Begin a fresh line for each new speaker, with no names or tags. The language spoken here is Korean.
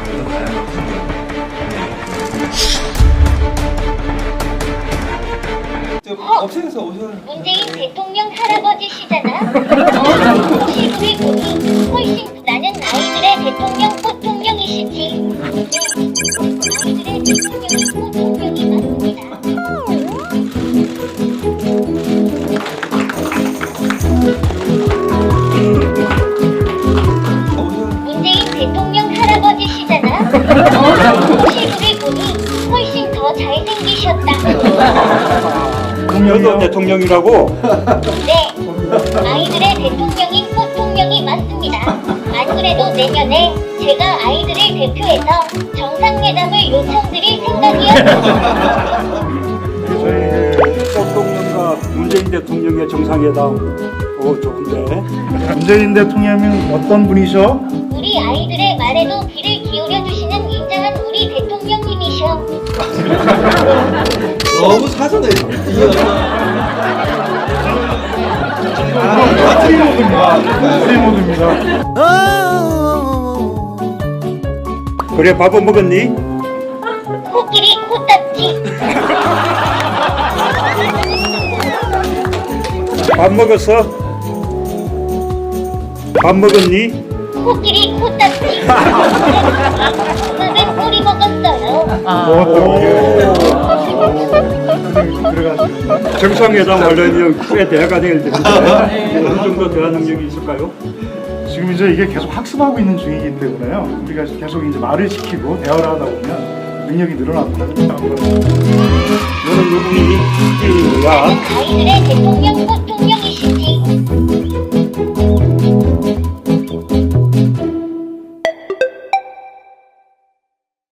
업체에서 오셔서
문재인 대통령 할아버지시잖아. 시국의 분이 훨씬 나는 아이들의 대통령 포통령이시지. 아이들의 대통령이 포통령이 맞습니다. 문재인 대통령 할아버지시잖아. 시국의 분이 훨씬 더 잘생기셨다.
너도 대통령이라고?
네, 아이들의 대통령인 포통령이 맞습니다. 안 그래도 내년에 제가 아이들을 대표해서 정상회담을 요청드릴 생각이었습니다.
저희 대통령과 문재인 대통령의 정상회담 좋은데.
문재인 대통령은 어떤 분이셔?
우리 아이들의 말에도 귀를 기울여 주시는 인자한 우리 대통령님이셔.
너무 사전에
트리모드입니다.
그래, 밥은 먹었니?
코끼리 코딱지.
밥 먹었어? 밥 먹었니?
코끼리 코딱지. 밥은 꼬리 먹었어요.
정상회담 하려면 꽤 대화가 돼야 되는데 어느 정도 대화 능력이 있을까요?
지금 이제 이게 계속 학습하고 있는 중이기 때문에요. 우리가 계속 이제 말을 시키고 대화를 하다 보면 능력이 늘어납니다.
너는 누구니? 야.
아이들의 대통령 포통령이